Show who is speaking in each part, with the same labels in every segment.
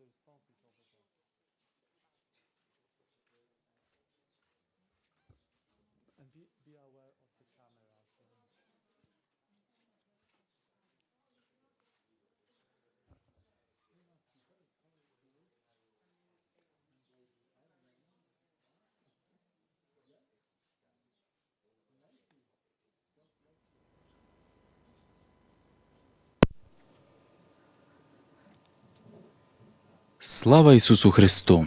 Speaker 1: Слава Ісусу Христу!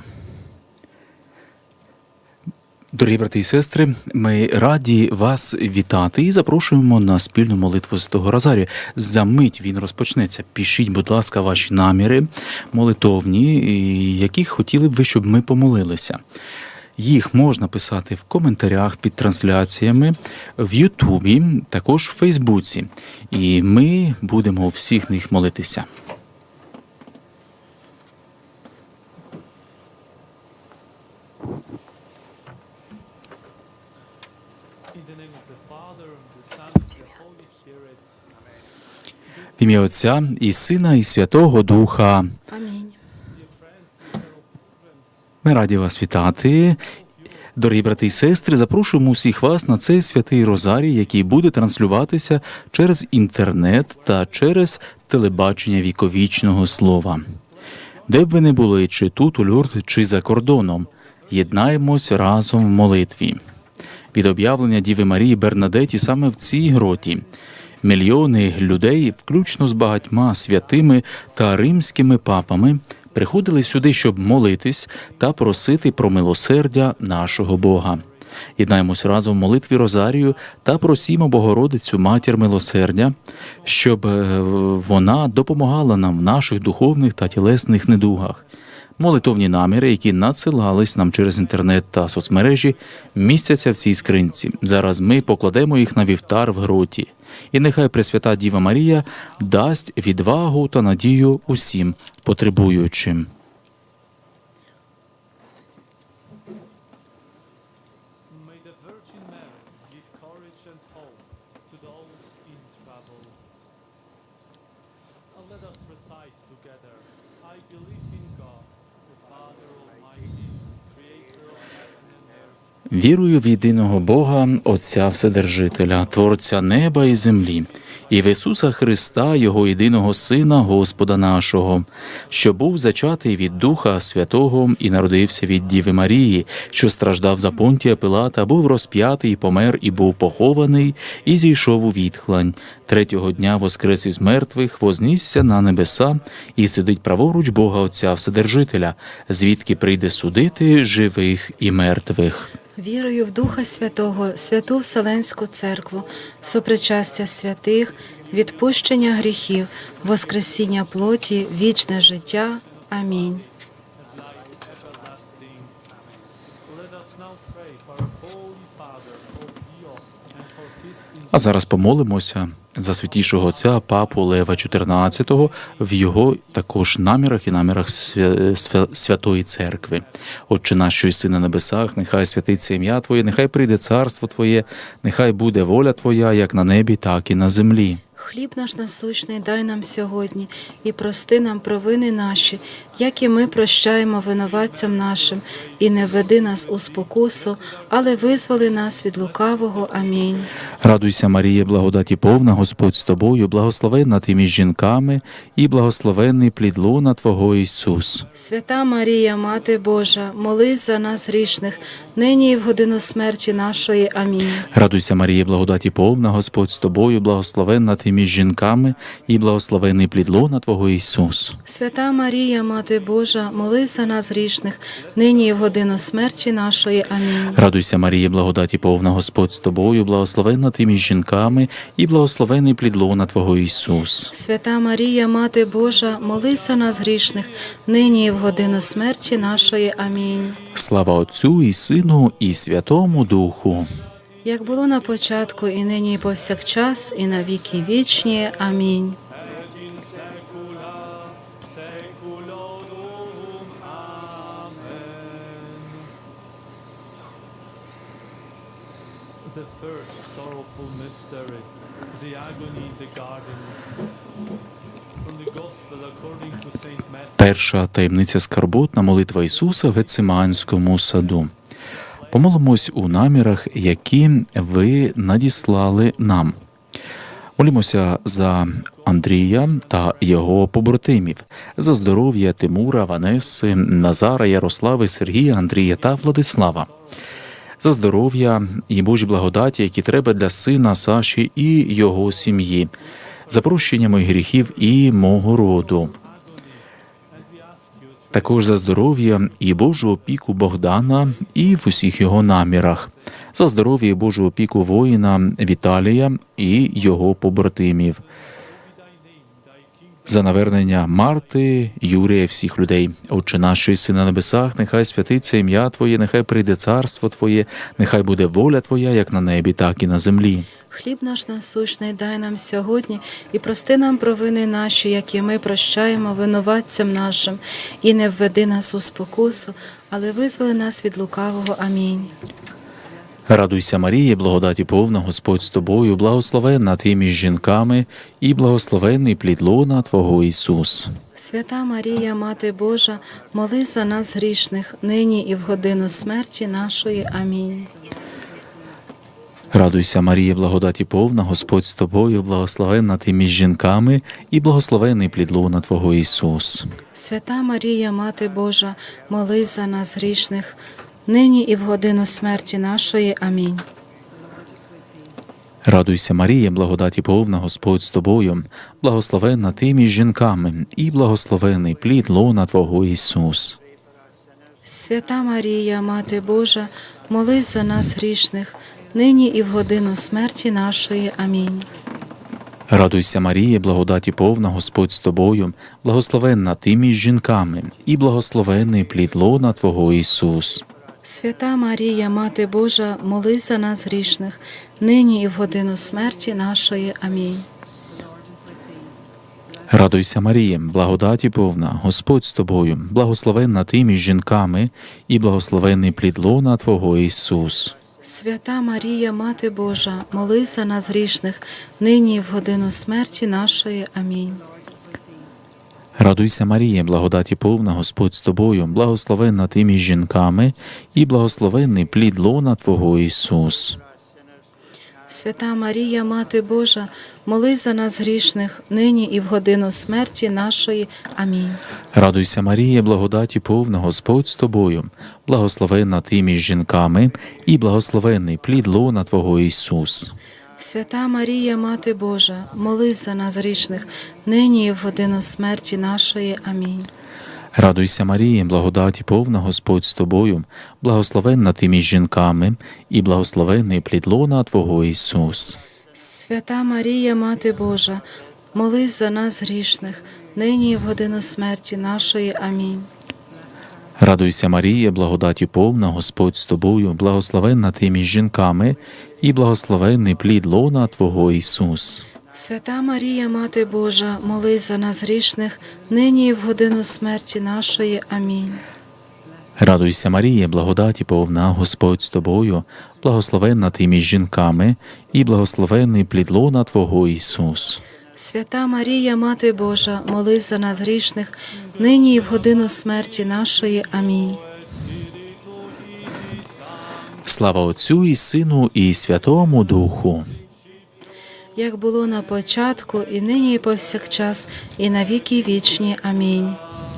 Speaker 1: Дорогі брати і сестри, ми раді вас вітати і запрошуємо на спільну молитву Святого Розарію. За мить він розпочнеться. Пишіть, будь ласка, ваші наміри молитовні, які хотіли б ви, щоб ми помолилися. Їх можна писати в коментарях під трансляціями, в Ютубі, також в Фейсбуці. І ми будемо у всіх них молитися. В ім'я Отця і Сина, і Святого Духа.
Speaker 2: Амінь.
Speaker 1: Ми раді вас вітати. Дорогі брати і сестри, запрошуємо усіх вас на цей святий Розарій, який буде транслюватися через інтернет та через телебачення віковічного слова. Де б ви не були, чи тут, у Люрд, чи за кордоном, єднаємось разом в молитві. Від об'явлення Діви Марії Бернадеті саме в цій гроті мільйони людей, включно з багатьма святими та римськими папами, приходили сюди, щоб молитись та просити про милосердя нашого Бога. Єднаємось разом в молитві Розарію та просімо Богородицю, Матір милосердя, щоб вона допомагала нам в наших духовних та тілесних недугах. Молитовні наміри, які надсилались нам через інтернет та соцмережі, містяться в цій скринці. Зараз ми покладемо їх на вівтар в гроті. І нехай Пресвята Діва Марія дасть відвагу та надію усім потребуючим. Вірую в єдиного Бога, Отця Вседержителя, Творця неба і землі, і в Ісуса Христа, Його єдиного Сина, Господа нашого, що був зачатий від Духа Святого і народився від Діви Марії, що страждав за Понтія Пилата, був розп'ятий, помер і був похований, і зійшов у відхлань. Третього дня воскрес із мертвих, вознісся на небеса і сидить праворуч Бога Отця Вседержителя, звідки прийде судити живих і мертвих.
Speaker 2: Вірую в Духа Святого, Святу Вселенську Церкву, сопричастя святих, відпущення гріхів, воскресіння плоті, вічне життя. Амінь.
Speaker 1: А зараз помолимося за святішого отця Папу Лева XIV в його також намірах і намірах Святої Церкви. Отче наш, що єси на небесах, нехай святиться ім'я Твоє, нехай прийде царство Твоє, нехай буде воля Твоя, як на небі, так і на землі.
Speaker 2: Хліб наш насущний дай нам сьогодні, і прости нам провини наші, як і ми прощаємо винуватцям нашим, і не введи нас у спокусу, але визволи нас від лукавого. Амінь.
Speaker 1: Радуйся, Марія, благодаті повна, Господь з тобою, благословенна ти між жінками, і благословенний плід лона Твого Ісус.
Speaker 2: Свята Марія, Мати Божа, молись за нас грішних, нині і в годину смерті нашої. Амінь.
Speaker 1: Радуйся, Марія, благодаті повна, Господь з тобою, благословенна ти між жінками, і благословенний плід лона Твого Ісус.
Speaker 2: Свята Марія, Мати Божа, молись за нас грішних, нині і в годину смерті нашої. Амінь.
Speaker 1: Радуйся, Марія, благодаті повна, Господь з тобою, благословенна ти між жінками, і благословенний плід лона Твого Ісус.
Speaker 2: Свята Марія, Мати Божа, молись за нас грішних, нині і в годину смерті нашої. Амінь.
Speaker 1: Слава Отцю і Сину, і Святому Духу.
Speaker 2: Як було на початку, і нині, і повсякчас, і на віки вічні. Амінь.
Speaker 3: The first sorrowful mystery, the agony in the garden.
Speaker 1: Перша таємниця скарботна молитва Ісуса в Гециманському саду. Помолимось у намірах, які ви надіслали нам. Молімося за Андрія та його побратимів, за здоров'я Тимура, Ванеси, Назара, Ярослави, Сергія, Андрія та Владислава, за здоров'я і Божі благодаті, які треба для сина Саші і його сім'ї, за прощення моїх гріхів і мого роду. Також за здоров'я і Божу опіку Богдана і в усіх його намірах, за здоров'я і Божу опіку воїна Віталія і його побратимів, за навернення Марти, Юрія, всіх людей. Отче наш, що єси на небесах, нехай святиться ім'я Твоє, нехай прийде царство Твоє, нехай буде воля Твоя, як на небі, так і на землі.
Speaker 2: Хліб наш насущний дай нам сьогодні, і прости нам провини наші, які ми прощаємо винуватцям нашим, і не введи нас у спокусу, але визволи нас від лукавого. Амінь.
Speaker 1: Радуйся, Марія, благодаті повна, Господь з тобою, благословенна ти між жінками, і благословенний плід лона Твого Ісус.
Speaker 2: Свята Марія, Мати Божа, молись за нас грішних, нині і в годину смерті нашої. Амінь.
Speaker 1: Радуйся, Марія, благодаті повна, Господь з тобою, благословенна ти між жінками, і благословенний плід лона Твого Ісус.
Speaker 2: Свята Марія, Мати Божа, молись за нас грішних, нині і в годину смерті нашої. Амінь.
Speaker 1: Радуйся, Марія, благодаті повна, Господь з тобою, благословенна ти між жінками, і благословенний плід лона Твого Ісус.
Speaker 2: Свята Марія, Мати Божа, молись за нас грішних, нині і в годину смерті нашої. Амінь.
Speaker 1: Радуйся, Марія, благодаті повна, Господь з тобою, благословенна ти між жінками, і благословенний плід лона Твого Ісус.
Speaker 2: Свята Марія, Мати Божа, молись за нас грішних, нині і в годину смерті нашої. Амінь.
Speaker 1: Радуйся, Марія, благодаті повна, Господь з тобою, благословенна ти між жінками, і благословенний плід лона Твого Ісус.
Speaker 2: Свята Марія, Мати Божа, молись за нас грішних, нині і в годину смерті нашої. Амінь.
Speaker 1: Радуйся, Марія, благодаті повна, Господь з тобою, благословенна ти між жінками, і благословенний плід лона Твого Ісус.
Speaker 2: Свята Марія, Мати Божа, молись за нас грішних, нині і в годину смерті нашої. Амінь.
Speaker 1: Радуйся, Марія, благодаті повна, Господь з тобою, благословенна ти між жінками, і благословенний плід лона Твого Ісус.
Speaker 2: Свята Марія, Мати Божа, молись за нас грішних, нині і в годину смерті нашої. Амінь.
Speaker 1: Радуйся, Марія, благодаті повна, Господь з тобою, благословенна ти між жінками, і благословенний плід лона Твого Ісус.
Speaker 2: Свята Марія, Мати Божа, молись за нас грішних, нині і в годину смерті нашої. Амінь.
Speaker 1: Радуйся, Марія, благодаті повна, Господь з тобою, благословенна ти між жінками, і благословенний плід лона Твого Ісус.
Speaker 2: Свята Марія, Мати Божа, молись за нас грішних, нині і в годину смерті нашої. Амінь.
Speaker 1: Радуйся, Марія, благодаті повна, Господь з тобою, благословенна ти між жінками, і благословенний плід лона Твого Ісус.
Speaker 2: Свята Марія, Мати Божа, молись за нас грішних, нині і в годину смерті нашої. Амінь.
Speaker 1: Слава Отцю і Сину, і Святому Духу.
Speaker 2: Як було на початку, і нині, і повсякчас, і на віки вічні. Амінь.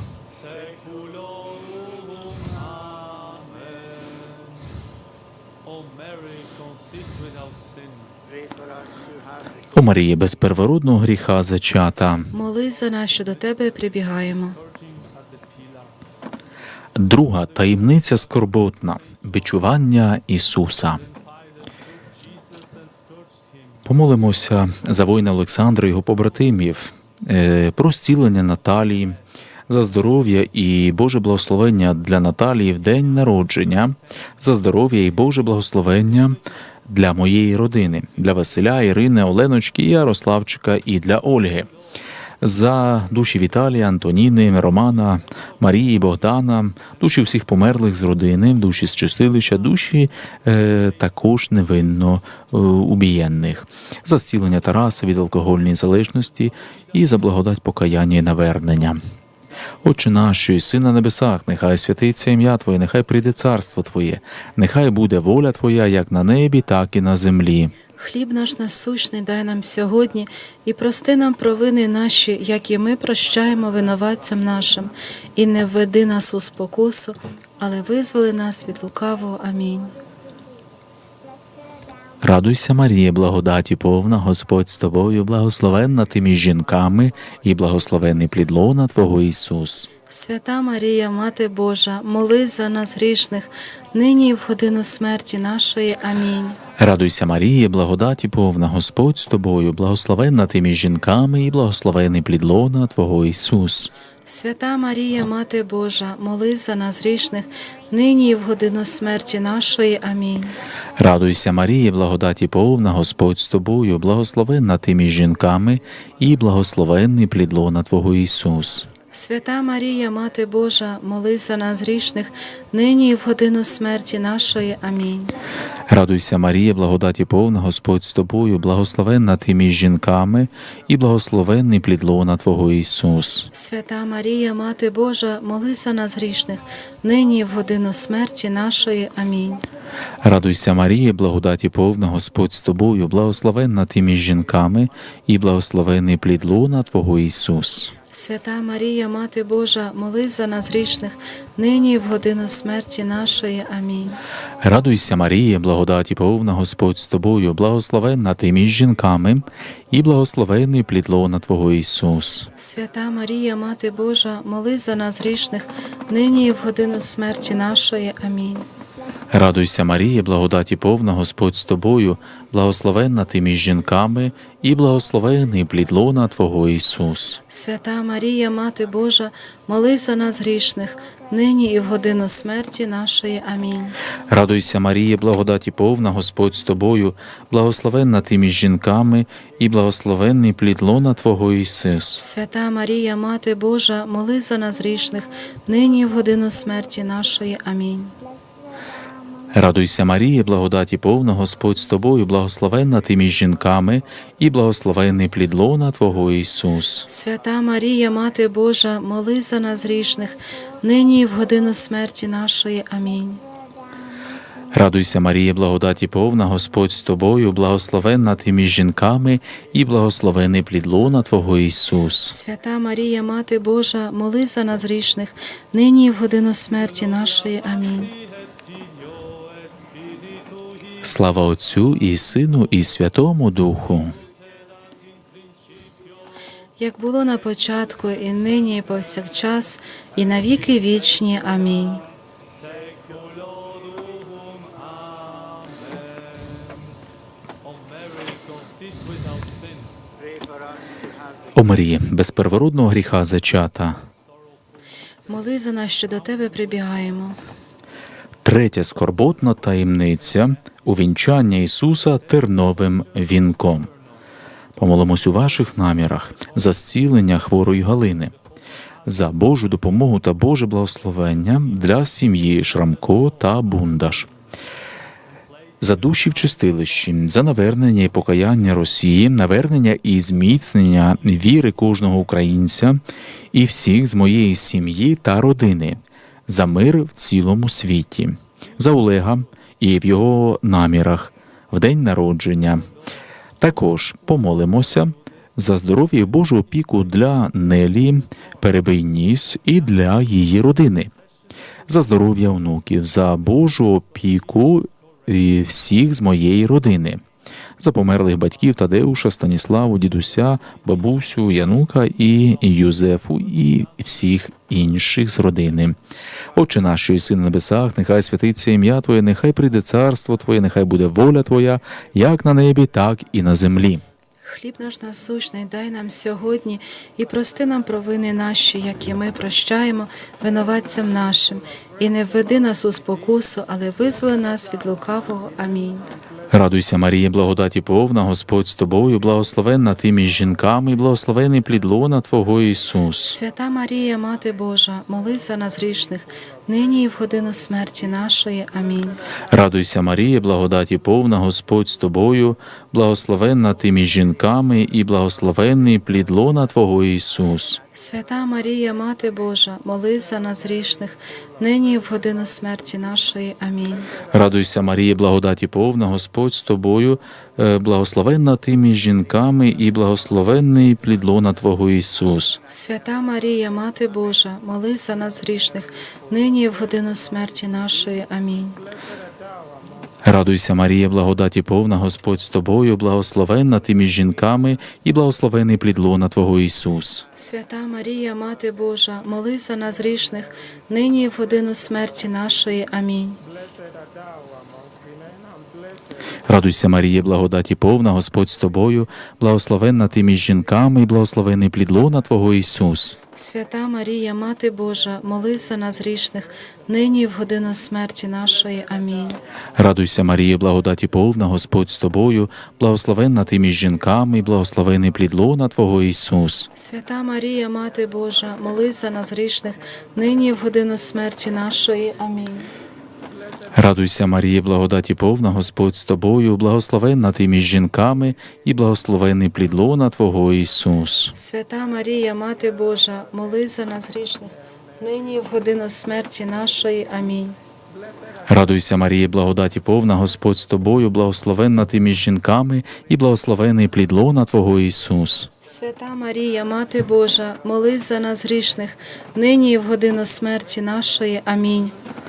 Speaker 1: О Марії, без первородного гріха зачата.
Speaker 2: Молись за нас, що до Тебе прибігаємо.
Speaker 1: Друга таємниця скорботна – бичування Ісуса. Помолимося за воїна Олександра і його побратимів, про зцілення Наталії, за здоров'я і Боже благословення для Наталії в день народження, за здоров'я і Боже благословення для моєї родини, для Василя, Ірини, Оленочки, Ярославчика і для Ольги, за душі Віталія, Антоніни, Романа, Марії, Богдана, душі всіх померлих з родини, душі з чистилища, душі також невинно убієнних, за зцілення Тараса від алкогольної залежності і за благодать покаяння і навернення. Отче наш, що єси на небесах, нехай святиться ім'я Твоє, нехай прийде царство Твоє, нехай буде воля Твоя, як на небі, так і на землі.
Speaker 2: Хліб наш насущний дай нам сьогодні, і прости нам провини наші, як і ми прощаємо винуватцям нашим. І не введи нас у спокусу, але визволи нас від лукавого. Амінь.
Speaker 1: Радуйся, Марія, благодаті повна, Господь з тобою, благословенна ти між жінками, і благословенний плід лона Твого Ісус.
Speaker 2: Свята Марія, Мати Божа, молись за нас грішних, нині і в годину смерті нашої. Амінь.
Speaker 1: Радуйся, Марія, благодаті повна, Господь з тобою, благословенна ти між жінками, і благословенний плід лона Твого Ісус.
Speaker 2: Свята Марія, Мати Божа, молись за нас грішних, нині і в годину смерті нашої. Амінь.
Speaker 1: Радуйся, Марія, благодаті повна, Господь з тобою, благословенна ти між жінками, і благословенний плід лона Твого Ісус.
Speaker 2: Свята Марія, Мати Божа, молись за нас грішних, нині і в годину смерті нашої. Амінь.
Speaker 1: Радуйся, Марія, благодаті повна, Господь з тобою, благословенна ти між жінками, і благословенний плід лона Твого Ісус.
Speaker 2: Свята Марія, Мати Божа, молись за нас грішних, нині і в годину смерті нашої. Амінь.
Speaker 1: Радуйся, Марія, благодаті повна, Господь з тобою, благословенна ти між жінками, і благословенний плід лона Твого Ісус.
Speaker 2: Свята Марія, Мати Божа, молись за нас грішних, нині і в годину смерті нашої. Амінь.
Speaker 1: Радуйся, Марія, благодаті повна, Господь з тобою, благословенна ти між жінками, і благословенний плід лона Твого Ісус.
Speaker 2: Свята Марія, Мати Божа, молись за нас грішних, нині і в годину смерті нашої. Амінь.
Speaker 1: Радуйся, Марія, благодаті повна, Господь з тобою, благословенна ти між жінками, і благословенний плід лона Твого Ісус.
Speaker 2: Свята Марія, Мати Божа, молись за нас грішних, нині і в годину смерті нашої. Амінь.
Speaker 1: Радуйся, Марія, благодаті повна, Господь з тобою, благословенна ти між жінками, і благословенний плід лона Твого Ісус.
Speaker 2: Свята Марія, Мати Божа, молись за нас грішних, нині і в годину смерті нашої. Амінь.
Speaker 1: Радуйся, Марія, благодаті повна, Господь з тобою, благословенна ти між жінками, і благословенний плід лона Твого Ісус.
Speaker 2: Свята Марія, Мати Божа, молись за нас грішних, нині і в годину смерті нашої. Амінь.
Speaker 1: Радуйся, Марія, благодаті повна, Господь з тобою, благословенна ти між жінками, і благословенний плід лона Твого Ісус.
Speaker 2: Свята Марія, Мати Божа, молись за нас грішних, нині і в годину смерті нашої. Амінь.
Speaker 1: Слава Отцю і Сину, і Святому Духу.
Speaker 2: Як було на початку, і нині, і повсякчас, і на віки вічні. Амінь.
Speaker 1: О Марії, без первородного гріха зачата.
Speaker 2: Молись за нас, що до Тебе прибігаємо.
Speaker 1: Третя скорботна таємниця – увінчання Ісуса терновим вінком. Помолимось у ваших намірах за зцілення хворої Галини, за Божу допомогу та Боже благословення для сім'ї Шрамко та Бундаш, за душі в чистилищі, за навернення і покаяння Росії, навернення і зміцнення віри кожного українця і всіх з моєї сім'ї та родини, за мир в цілому світі, за Олега і в його намірах в день народження. Також помолимося за здоров'я і Божу опіку для Нелі Перебийніс і для її родини, за здоров'я онуків, за Божу опіку і всіх з моєї родини, за померлих батьків Тадеуша, Станіславу, дідуся, бабусю, Янука і Юзефу і всіх інших з родини. Отче наш, що єси на небесах, нехай святиться ім'я Твоє, нехай прийде царство Твоє, нехай буде воля Твоя, як на небі, так і на землі.
Speaker 2: Хліб наш насущний дай нам сьогодні, і прости нам провини наші, як і ми прощаємо винуватцям нашим. І не введи нас у спокусу, але визволи нас від лукавого. Амінь.
Speaker 1: Радуйся, Марія, благодаті повна, Господь з тобою, благословенна ти між жінками, і благословений плід лона Твого Ісус.
Speaker 2: Свята Марія, Мати Божа, молись за нас грішних, нині і в годину смерті нашої. Амінь.
Speaker 1: Радуйся, Марія, благодаті повна, Господь з тобою, благословенна ти між жінками, і благословенний плід лона Твого Ісус.
Speaker 2: Свята Марія, Мати Божа, молись за нас грішних, нині і в годину смерті нашої. Амінь.
Speaker 1: Радуйся, Марія, благодаті повна, Господь з тобою, благословенна ти між жінками, і благословенний плід лона Твого Ісус.
Speaker 2: Свята Марія, Мати Божа, молись за нас грішних, нині і в годину смерті нашої. Амінь.
Speaker 1: Радуйся, Марія, благодаті повна, Господь з тобою, благословенна ти між жінками, і благословений плід лона Твого Ісус.
Speaker 2: Свята Марія, Мати Божа, молись за нас грішних, нині і в годину смерті нашої. Амінь.
Speaker 1: Радуйся, Марія, благодаті повна, Господь з тобою, благословенна ти між жінками, і благословений плід лона Твого Ісус.
Speaker 2: Свята Марія, Мати Божа, молись за нас грішних, нині і в годину смерті нашої. Амінь.
Speaker 1: Радуйся, Марія, благодаті повна, Господь з тобою, благословенна ти між жінками, і благословений плід лона Твого Ісус.
Speaker 2: Свята Марія, Мати Божа, молись за нас грішних, нині і в годину смерті нашої. Амінь.
Speaker 1: Радуйся, Марія, благодаті повна, Господь з тобою, благословенна ти між жінками, і благословений плід лона Твого Ісус.
Speaker 2: Свята Марія, Мати Божа, молись за нас грішних, нині і в годину смерті нашої. Амінь.
Speaker 1: Радуйся, Марія, благодаті повна, Господь з тобою, благословенна ти між жінками, і благословений плід лона Твого Ісус.
Speaker 2: Свята Марія, Мати Божа, молись за нас грішних, нині і в годину смерті нашої. Амінь.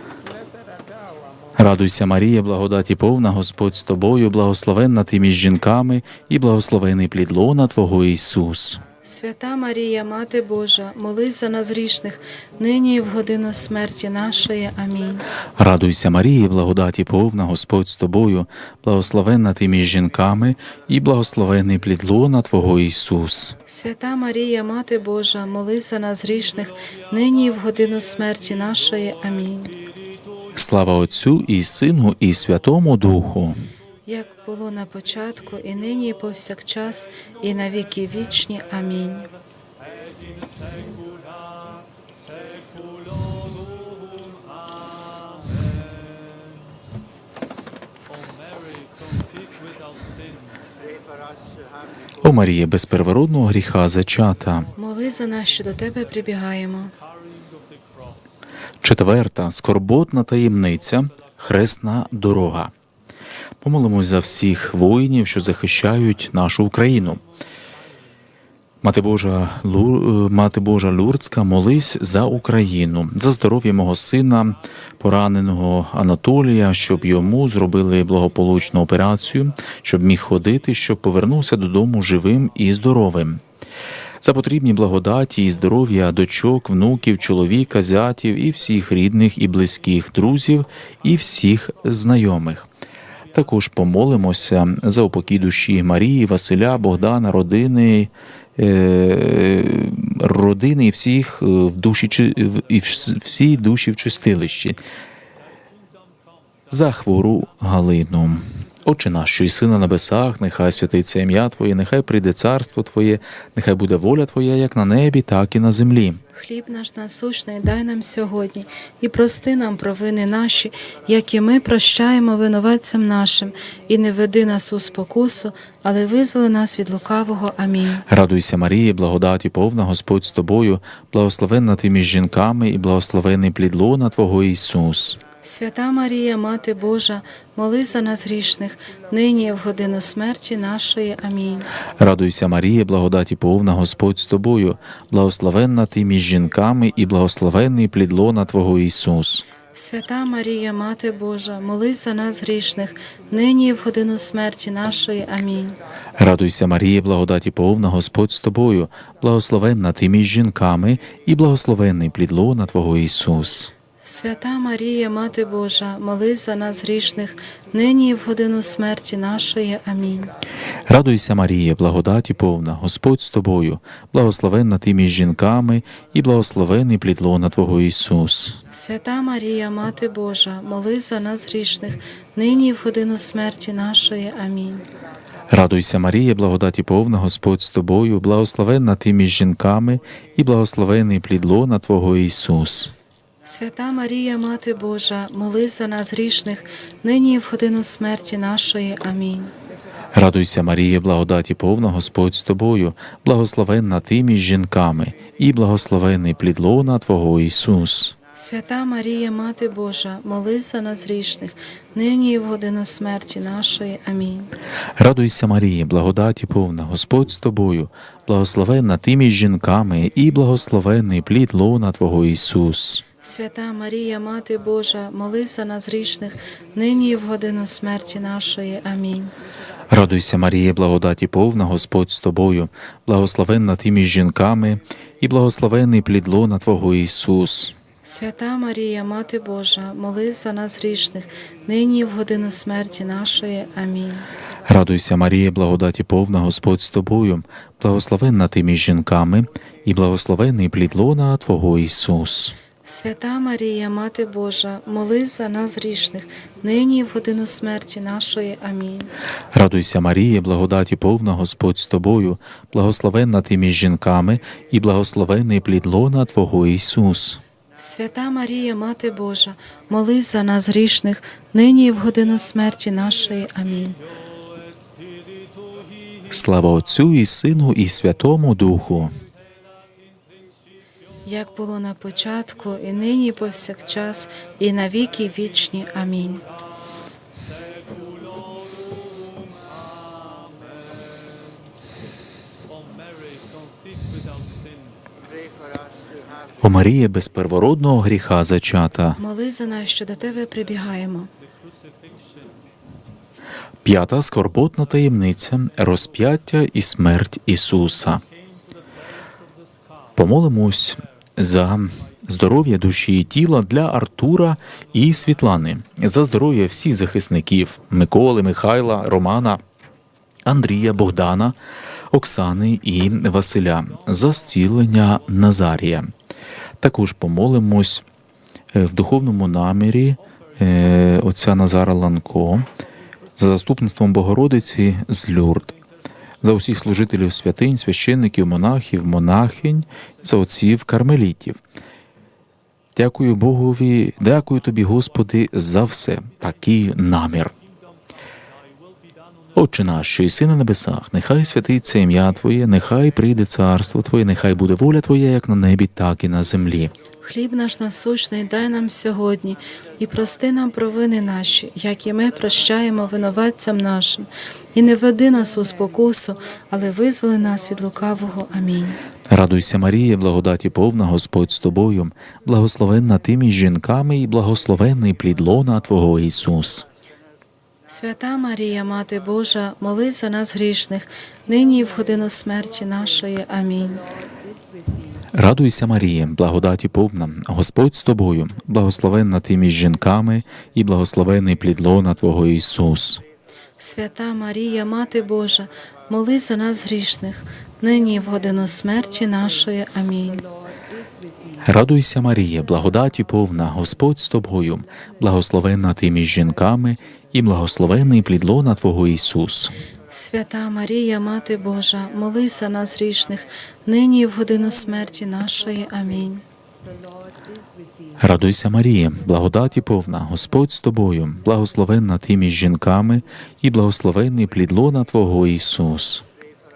Speaker 1: Радуйся, Марія, благодаті повна, Господь з тобою, благословенна ти між жінками, і благословений плід лона Твого Ісус.
Speaker 2: Свята Марія, Мати Божа, молись за нас грішних, нині і в годину смерті нашої. Амінь.
Speaker 1: Радуйся, Марія, благодаті повна, Господь з тобою, благословенна ти між жінками, і благословений плід лона Твого Ісус.
Speaker 2: Свята Марія, Мати Божа, молись за нас грішних, нині і в годину смерті нашої. Амінь.
Speaker 1: Слава Отцю і Сину, і Святому Духу.
Speaker 2: Як було на початку, і нині, і повсякчас, і на віки вічні. Амінь.
Speaker 1: О Марія, без первородного гріха зачата.
Speaker 2: Моли за нас, що до Тебе прибігаємо.
Speaker 1: Четверта скорботна таємниця – хресна дорога. Помолимось за всіх воїнів, що захищають нашу Україну. Мати Божа Люрдська, молись за Україну, за здоров'я мого сина, пораненого Анатолія, щоб йому зробили благополучну операцію, щоб міг ходити, щоб повернувся додому живим і здоровим. За потрібні благодаті і здоров'я дочок, внуків, чоловіка, зятів і всіх рідних і близьких друзів і всіх знайомих. Також помолимося за упокій душі Марії, Василя, Богдана, родини і всіх в душі і всі душі в чистилищі. За хвору Галину. Отче наш, що єси на небесах, нехай святиться ім'я Твоє, нехай прийде царство Твоє, нехай буде воля Твоя, як на небі, так і на землі.
Speaker 2: Хліб наш насущний дай нам сьогодні, і прости нам провини наші, як і ми прощаємо винуватцям нашим, і не веди нас у спокусу, але визволи нас від лукавого. Амінь.
Speaker 1: Радуйся, Марія, благодаті повна, Господь з тобою, благословенна ти між жінками, і благословений плід лона Твого Ісус.
Speaker 2: Свята Марія, Мати Божа, молись за нас грішних, нині і в годину смерті нашої. Амінь.
Speaker 1: Радуйся, Марія, благодаті повна, Господь з тобою, благословенна ти між жінками, і благословенний плід лона Твого Ісус.
Speaker 2: Свята Марія, Мати Божа, молись за нас грішних, нині і в годину смерті нашої. Амінь.
Speaker 1: Радуйся, Марія, благодаті повна, Господь з тобою, благословенна ти між жінками, і благословенний плід лона Твого Ісус.
Speaker 2: Свята Марія, Марія, Мати Божа, молись за нас грішних, нині і в годину смерті нашої. Амінь.
Speaker 1: Радуйся, Марія, благодаті повна, Господь з тобою, благословенна ти між жінками, і благословений плід лона Твого Ісус.
Speaker 2: Свята Марія, Мати Божа, молись за нас грішних, нині і в годину смерті нашої. Амінь.
Speaker 1: Радуйся, Марія, благодаті повна, Господь з тобою, благословенна ти між жінками, і благословений плід лона Твого Ісус.
Speaker 2: Свята Марія, Мати Божа, молись за нас грішних, нині і в годину смерті нашої. Амінь.
Speaker 1: Радуйся, Марія, благодаті повна, Господь з тобою, благословенна ти між жінками, і благословений плід лона Твого Ісус.
Speaker 2: Свята Марія, Мати Божа, молись за нас грішних, нині і в годину смерті нашої. Амінь.
Speaker 1: Радуйся, Марія, благодаті повна, Господь з тобою, благословенна ти між жінками, і благословений плід лона Твого Ісус.
Speaker 2: Свята Марія, Мати Божа, молись за нас грішних, нині і в годину смерті нашої. Амінь.
Speaker 1: Радуйся, Марія, благодаті повна, Господь з тобою, благословенна ти між жінками, і благословений плід лона Твого Ісус.
Speaker 2: Свята Марія, Мати Божа, молись за нас грішних, нині і в годину смерті нашої. Амінь.
Speaker 1: Радуйся, Марія, благодаті повна, Господь з тобою, благословенна ти між жінками, і благословений плід лона Твого Ісус.
Speaker 2: Свята Марія, Мати Божа, молись за нас грішних, нині і в годину смерті нашої. Амінь.
Speaker 1: Радуйся, Марія, благодаті повна, Господь з тобою, благословенна ти між жінками, і благословений плід лона Твого Ісус.
Speaker 2: Свята Марія, Мати Божа, молись за нас грішних, нині і в годину смерті нашої. Амінь.
Speaker 1: Слава Отцю і Сину, і Святому Духу.
Speaker 2: Як було на початку, і нині, і повсякчас, і на віки вічні. Амінь.
Speaker 1: О Марія, без первородного гріха зачата.
Speaker 2: Молись за нас, що до Тебе прибігаємо.
Speaker 1: П'ята скорботна таємниця – розп'яття і смерть Ісуса. Помолимось за здоров'я душі і тіла для Артура і Світлани, за здоров'я всіх захисників – Миколи, Михайла, Романа, Андрія, Богдана, Оксани і Василя, за зцілення Назарія. Також помолимось в духовному намірі отця Назара Ланко, за заступництвом Богородиці з Люрд, за усіх служителів святинь, священників, монахів, монахинь, за отців кармелітів. Дякую Богові, дякую Тобі, Господи, за все, такий намір. Отче наш, що єси на небесах, нехай святиться ім'я Твоє, нехай прийде царство Твоє, нехай буде воля Твоя, як на небі, так і на землі.
Speaker 2: Хліб наш насущний дай нам сьогодні, і прости нам провини наші, як і ми прощаємо винуватцям нашим. І не веди нас у спокусу, але визволи нас від лукавого. Амінь.
Speaker 1: Радуйся, Марія, благодаті повна, Господь з тобою, благословенна ти між жінками, і благословенний плід лона Твого Ісус.
Speaker 2: Свята Марія, Мати Божа, молись за нас грішних, нині і в годину смерті нашої. Амінь.
Speaker 1: Радуйся, Марія, благодаті повна, Господь з тобою, благословенна ти між жінками, і благословений плід лона Твого Ісус.
Speaker 2: Свята Марія, Мати Божа, молись за нас грішних, нині і в годину смерті нашої. Амінь.
Speaker 1: Радуйся, Марія, благодаті повна, Господь з тобою, благословенна ти між жінками, і благословений плід лона Твого Ісус.
Speaker 2: Свята Марія, Мати Божа, молись за нас грішних, нині і в годину смерті нашої. Амінь.
Speaker 1: Радуйся, Марія, благодаті повна, Господь з тобою, благословенна ти між жінками, і благословений плід лона Твого Ісус.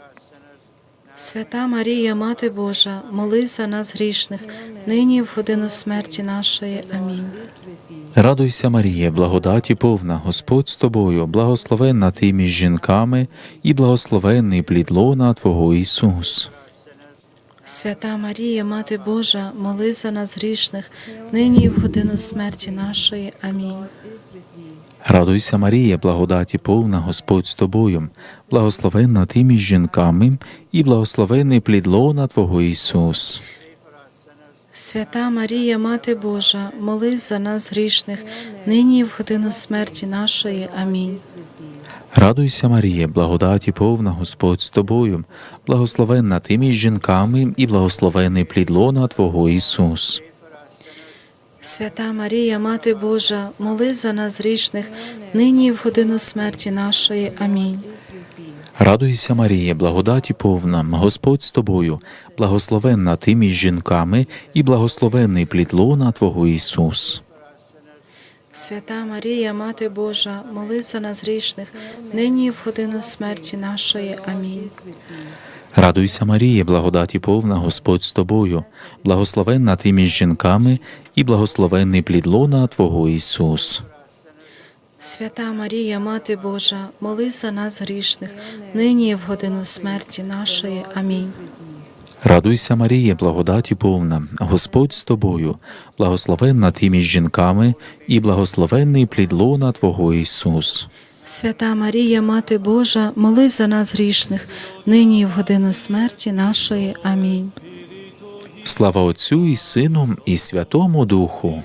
Speaker 2: Свята Марія, Мати Божа, молись за нас грішних, нині і в годину смерті нашої. Амінь.
Speaker 1: Радуйся, Марія, благодаті повна, Господь з тобою, благословенна ти між жінками, і благословенний плід лона Твого Ісус.
Speaker 2: Свята Марія, Мати Божа, молись за нас грішних, нині і в годину смерті нашої. Амінь.
Speaker 1: Радуйся, Марія, благодаті повна, Господь з тобою, благословенна ти між жінками, і благословенний плід лона Твого Ісус.
Speaker 2: Свята Марія, Мати Божа, молись за нас грішних, нині і в годину смерті нашої. Амінь.
Speaker 1: Радуйся, Марія, благодаті повна, Господь з тобою, благословенна ти між жінками і благословений плід лона Твого Ісус.
Speaker 2: Свята Марія, Мати Божа, молись за нас грішних, нині і в годину смерті нашої. Амінь.
Speaker 1: Радуйся, Марія, благодаті повна, Господь з тобою, благословенна ти між жінками і благословений плід лона Твого Ісус.
Speaker 2: Свята Марія, Мати Божа, молись за нас грішних, нині і в годину смерті нашої. Амінь.
Speaker 1: Радуйся, Марія, благодаті повна, Господь з тобою, благословенна ти між жінками і благословений плід лона Твого Ісус.
Speaker 2: Свята Марія, Мати Божа, молись за нас грішних, нині і в годину смерті нашої. Амінь.
Speaker 1: Радуйся, Марія, благодаті повна, Господь з тобою, благословенна ти між жінками і благословенний плід лона Твого Ісус.
Speaker 2: Свята Марія, Мати Божа, молись за нас грішних, нині і в годину смерті нашої. Амінь.
Speaker 1: Слава Отцю і Сину і Святому Духу.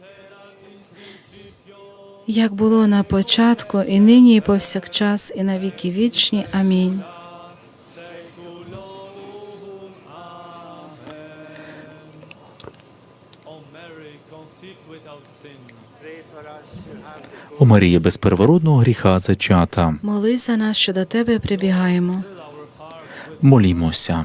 Speaker 2: Як було на початку, і нині, і повсякчас, і на віки вічні. Амінь.
Speaker 1: О Марія, без первородного гріха зачата,
Speaker 2: Молись за нас, що до Тебе прибігаємо.
Speaker 1: молімося.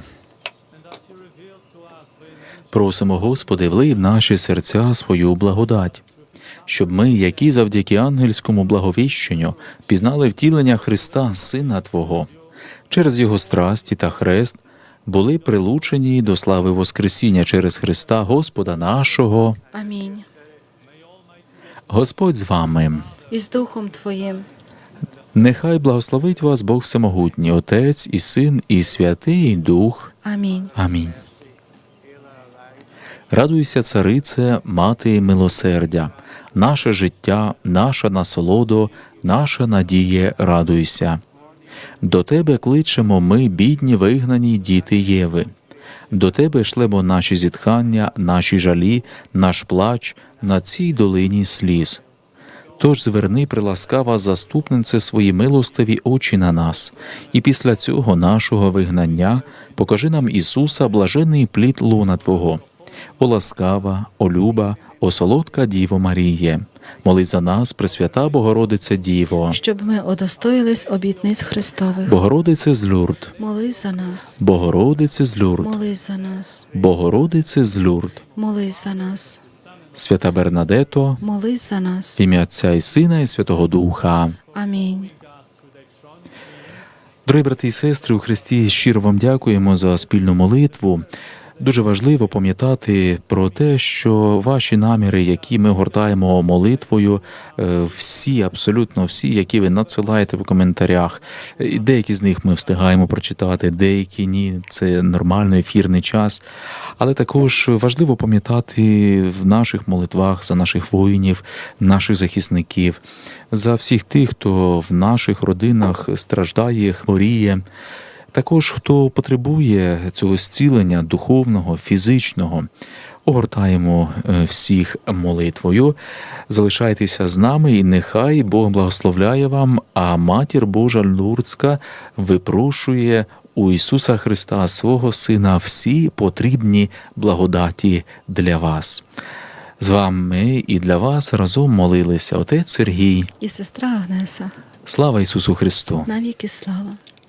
Speaker 1: Просимо, Господи, влий в наші серця свою благодать, щоб ми, які завдяки ангельському благовіщенню пізнали втілення Христа, Сина Твого, через Його страсті та хрест, були прилучені до слави Воскресіння через Христа Господа нашого.
Speaker 2: Амінь.
Speaker 1: Господь з вами.
Speaker 2: І з Духом Твоїм.
Speaker 1: Нехай благословить вас Бог Всемогутній, Отець і Син і Святий Дух.
Speaker 2: Амінь.
Speaker 1: Амінь. Радуйся, царице, мати милосердя, наше життя, наша насолодо, наша надія, радуйся. До Тебе кличемо ми, бідні вигнані діти Єви. До Тебе шлемо наші зітхання, наші жалі, наш плач на цій долині сліз. Тож зверни, приласкава заступнице, свої милостиві очі на нас, і після цього нашого вигнання покажи нам Ісуса, блаженний плід лона Твого. О ласкава, о люба, о солодка Діво Маріє, молись за нас, Пресвята Богородице Діво.
Speaker 2: Щоб ми удостоїлись обітниць Христових.
Speaker 1: Богородице з Люрд,
Speaker 2: Молись за нас.
Speaker 1: Богородице з Люрд,
Speaker 2: Молись за нас.
Speaker 1: Богородице з Люрд,
Speaker 2: Молись за нас.
Speaker 1: Свята Бернадето,
Speaker 2: Молись за нас.
Speaker 1: в ім'я Отця і Сина і Святого Духа.
Speaker 2: Амінь.
Speaker 1: Дорогі брати і сестри, у Христі щиро вам дякуємо за спільну молитву. Дуже важливо пам'ятати про те, що ваші наміри, які ми гортаємо молитвою, всі, абсолютно всі, які ви надсилаєте в коментарях, деякі з них ми встигаємо прочитати, деякі ні, це нормальний ефірний час. Але також важливо пам'ятати в наших молитвах за наших воїнів, наших захисників, за всіх тих, хто в наших родинах страждає, хворіє. Також, хто потребує цього зцілення духовного, фізичного, огортаємо всіх молитвою. Залишайтеся з нами, і нехай Бог благословляє вам, а Матір Божа Лурдська випрошує у Ісуса Христа, свого Сина, всі потрібні благодаті для вас. З вами і для вас разом молилися отець Сергій.
Speaker 2: І сестра Агнеса.
Speaker 1: Слава Ісусу Христу!
Speaker 2: Навіки слава.